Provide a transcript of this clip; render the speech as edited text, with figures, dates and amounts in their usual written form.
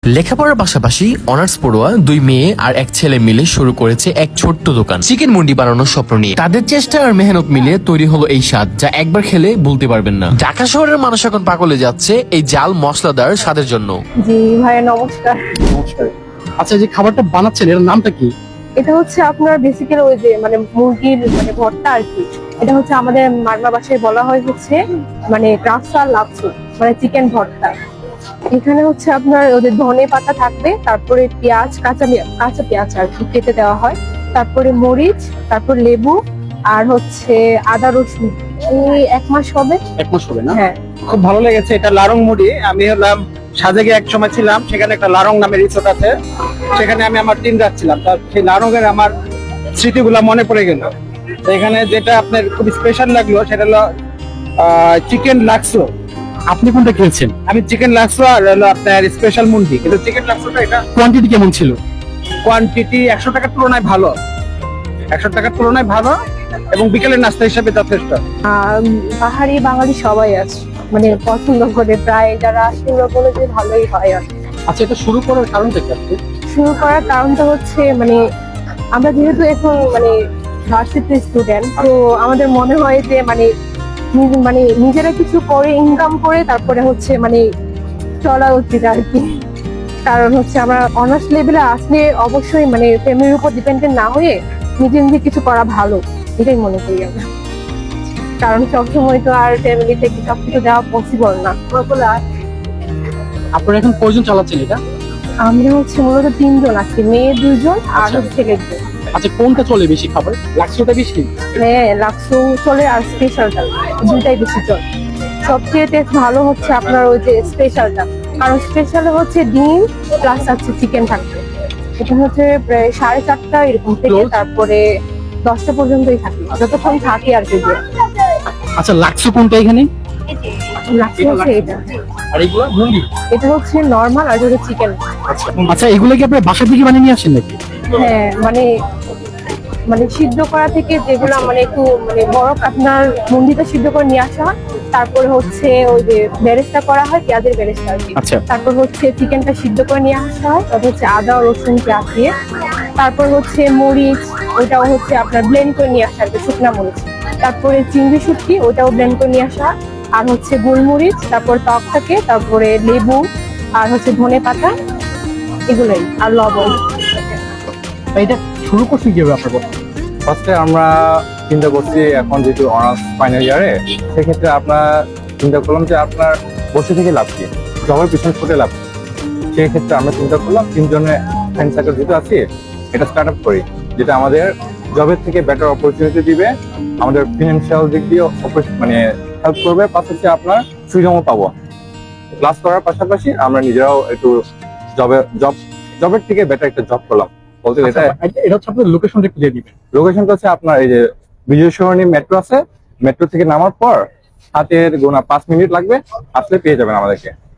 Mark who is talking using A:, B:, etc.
A: লেখাপড়ার পাশাপাশি অনার্স পড়ুয়া দুই মেয়ে আর এক ছেলে মিলে শুরু করেছে এক ছোট্ট দোকান চিকেন মুন্ডি বানানোর স্বপ্ন নিয়ে। তাদের চেষ্টা আর মেহনত মিলিয়ে তৈরি হলো এই স্বাদ, যা একবার খেলে ভুলতে পারবেন না। ঢাকা শহরের মানুষ এখন পাগলে যাচ্ছে এই জাল মশলাদার স্বাদের জন্য।
B: জি ভাইয়া নমস্কার।
C: নমস্কার। আচ্ছা, যে খাবারটা বানাচ্ছেন এর নামটা কি?
B: এটা হচ্ছে আপনার বেসিক্যালি ওই যে মুরগির ভর্তা আর কি। এটা হচ্ছে আমাদের মারমা ভাষায় বলা হয় হচ্ছে রাফসা লাপসু, চিকেন ভর্তা। এখানে হচ্ছে আপনার ওদের ধনে পাতা থাকবে, তারপরে পেঁয়াজ, কাঁচা পেঁয়াজ আর কি কেটে দেওয়া হয়, তারপরে মরিচ, তারপর লেবু আর হচ্ছে আদা রসুন। এই 1 মাস হবে।
C: 1 মাস হবে না?
B: হ্যাঁ,
D: খুব ভালো লেগেছে। এটা লারং মুড়ি। আমি হলাম সাজেকে এক সময় ছিলাম, সেখানে একটা লারং নামের রিসোর্ট আছে, সেখানে আমি আমার দিন রাখছিলাম। তার সেই লারঙের আমার স্মৃতিগুলা মনে পড়ে গেল। তো এখানে যেটা আপনার খুব স্পেশাল লাগলো সেটা হলো চিকেন লাক্সো।
C: আপনি কোনটা খেয়েছেন?
D: আমি চিকেন লাক্সো আর হলো আপনার স্পেশাল মুন্ডি। কিন্তু চিকেন লাক্সোটা এটা
C: কোয়ান্টিটি কেমন ছিল?
D: কোয়ান্টিটি 100 টাকার তুলনায় ভালো, 100 টাকার তুলনায় ভালো, এবং বিকেলের নাস্তা হিসাবে যথেষ্ট।
B: পাহাড়ি বাঙালি সবাই আছে, পছন্দ করে, প্রায় যারা আসে ওরা বলে যে ভালোই হয়। আর
C: আচ্ছা, এটা শুরু করার কারণটা কি আপনি?
B: শুরু করার কারণটা হচ্ছে আমরা যেহেতু এখন ভার্সিটি স্টুডেন্ট, তো আমাদের মনে হয় যে নিজেরা কিছু করে ইনকাম করে তারপরে হচ্ছে চলা উচিত আর কি। কারণ হচ্ছে আমরা অনার্স লেভেলে আসলে অবশ্যই ফ্যামিলির উপর ডিপেন্ডেন্ট না হয়ে নিজে নিজে কিছু করা ভালো, এটাই মনে করি আমরা। কারণ সবসময় তো আর ফ্যামিলি থেকে সবকিছু দেওয়া পসিবল না।
C: আপনারা এখন কয়জন চালাচ্ছেন এটা?
B: আমরা হচ্ছে মূলত 3 জন আছি, মেয়ে 2 জন আর
C: আচ্ছা।
B: ছেলে 2 জন।
C: আচ্ছা, কোনটা চলে বেশি খাবার? লাক্সোটা বেশি?
B: হ্যাঁ, লাক্সো চলে আর স্পেশালটা, দুইটাই বেশি চলে। সবচেয়ে টেস্ট ভালো হচ্ছে আপনার ওই যে স্পেশালটা, কারণ স্পেশালে হচ্ছে ডিম প্লাস আছে চিকেন থাকবে। এটা হচ্ছে প্রায় 4:30 এরকম থেকে
C: Close?
B: তারপরে 10টা পর্যন্তই থাকে, যতক্ষণ থাকে আর কি।
C: আচ্ছা, লাক্সো কোনটা এখানে?
B: লাক্সো হচ্ছে এটা,
C: আর এগুলো মুরগি?
B: এটা হচ্ছে নর্মাল আর এটা চিকেন।
C: আচ্ছা, এগুলো কি আপনারা বাসা থেকে বানিয়ে নিয়ে আসেন নাকি?
B: হ্যাঁ, সিদ্ধ করা থেকে যেগুলো একটু বরফ আপনার মুন্ডিটা সিদ্ধ করে নিয়ে আসা হয়, তারপরে হচ্ছে ওই যে বেরেস্তা করা হয়, পেঁয়াজের বেরেস্তা আর কি।
C: আচ্ছা।
B: তারপর হচ্ছে চিকেনটা সিদ্ধ করে নিয়ে আসা হয়, তারপর হচ্ছে আদা রসুন পেঁয়াজ দিয়ে, তারপর হচ্ছে মরিচ, ওইটাও হচ্ছে আপনার ব্লেন্ড করে নিয়ে আসা আর কি, শুকনা মরিচ। তারপরে চিংড়ি শুটকি, ওইটাও ব্লেন্ড করে নিয়ে আসা, আর হচ্ছে গোলমরিচ, তারপর টক থাকে, তারপরে লেবু আর হচ্ছে ধনে পাতা, এগুলোই, আর লবণ।
C: এটা শুরু করছেন কিভাবে আপনার কথা?
E: ফার্স্টে আমরা চিন্তা করছি, এখন যেহেতু অনার্স ফাইনাল ইয়ারে, সেক্ষেত্রে আপনার চিন্তা করলাম যে আপনার বসে থেকে লাভ কি, জবের পিছনে ছুটে লাভ কি। সেক্ষেত্রে আমরা চিন্তা করলাম 3 জনের ফ্রেন্ড সার্কেল যেহেতু আছি, এটা স্টার্ট আপ করি, যেটা আমাদের জবের থেকে বেটার অপরচুনিটি দিবে, আমাদের ফিনান্সিয়াল দিক দিয়ে হেল্প করবে, পাশাপাশি আপনার ফ্রিডমও পাবো। ক্লাস করার পাশাপাশি আমরা নিজেরাও একটু জবের থেকে বেটার একটা জব করলাম বলতে গেলে।
C: আচ্ছা, এটা হচ্ছে আপনার লোকেশনটা একটু দিয়ে দিবেন।
E: লোকেশনটা হচ্ছে আপনার এই যে বিজয় সরণি মেট্রো আছে, মেট্রো থেকে নামার পর হাতের গোনা 5 মিনিট লাগবে, আসলে পেয়ে যাবেন আমাদেরকে।